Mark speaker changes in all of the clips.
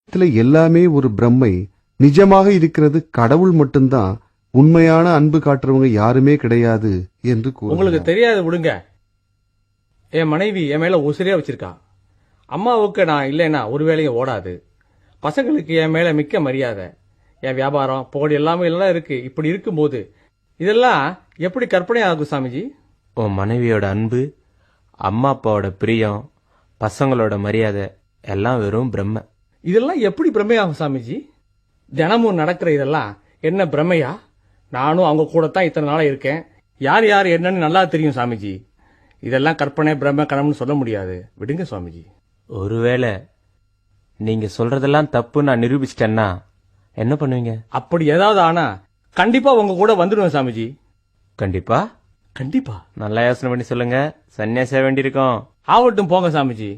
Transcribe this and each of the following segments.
Speaker 1: இதுல எல்லாமே ஒரு பிரம்மை. நிஜமாக இருக்கிறது கடவுள் மட்டும்தான். உண்மையான அன்பு காட்டுறவங்க யாருமே கிடையாது என்று
Speaker 2: உங்களுக்கு
Speaker 1: கூறுகிறார்.
Speaker 2: தெரியாது விடுங்க. என் மனைவி என் மேல உசிரியா வச்சிருக்கா. அம்மாவுக்கு நான் இல்லைன்னா ஒரு வேலையும் ஓடாது. பசங்களுக்கு என் மேல மிக்க மரியாதை. என் வியாபாரம் புகழ் எல்லாமே எல்லாம் இருக்கு. இப்படி இருக்கும்போது இதெல்லாம் எப்படி கற்பனை ஆகும் சாமிஜி?
Speaker 3: உன் மனைவியோட அன்பு, அம்மா அப்பாவோட பிரியம், பசங்களோட மரியாதை எல்லாம் வெறும் பிரம்ம.
Speaker 2: இதெல்லாம் எப்படி பிரமையாகும் சாமிஜி? தினமும் நடக்கிற இதெல்லாம் என்ன பிரமையா? நானும் அவங்க கூட தான் இத்தனை நாளா இருக்கேன். யார் யார் என்னன்னு நல்லா தெரியும் சாமிஜி. இதெல்லாம் கற்பனை பிரம்ம கனவுன்னு சொல்ல முடியாது. விடுங்க சுவாமிஜி.
Speaker 3: ஒருவேளை நீங்க சொல்றதெல்லாம் தப்பு நான் நிரூபிச்சிட்டேன்னா என்ன பண்ணுவீங்க?
Speaker 2: அப்படி ஏதாவது ஆனா கண்டிப்பா உங்க கூட வந்துடுவேன் சாமிஜி.
Speaker 3: கண்டிப்பா.
Speaker 2: கண்டிப்பா.
Speaker 3: நல்லா யோசனை பண்ணி சொல்லுங்க. சன்னியாசியா வேண்டியிருக்கோம்.
Speaker 2: ஆவட்டும் போங்க சாமிஜி.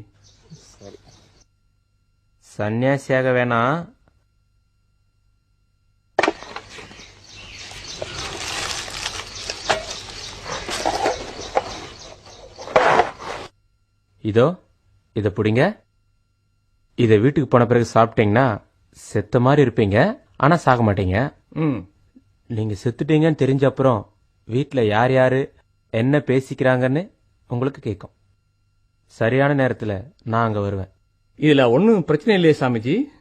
Speaker 3: சன்னியாசியாக வேணாம். இதோ இத புடிங்க. இத வீட்டுக்கு போன பிறகு சாப்பிட்டீங்கன்னா செத்த மாதிரி இருப்பீங்க, ஆனா சாக மாட்டீங்க.
Speaker 2: ம்.
Speaker 3: நீங்க செத்துட்டீங்கன்னு தெரிஞ்ச அப்புறம் வீட்டுல யார் யாரு என்ன பேசிக்கிறாங்கன்னு உங்களுக்கு கேட்கும். சரியான நேரத்துல நான் அங்க வருவேன்.
Speaker 2: இதுல ஒன்னும் பிரச்சனை இல்லையே சாமிஜி.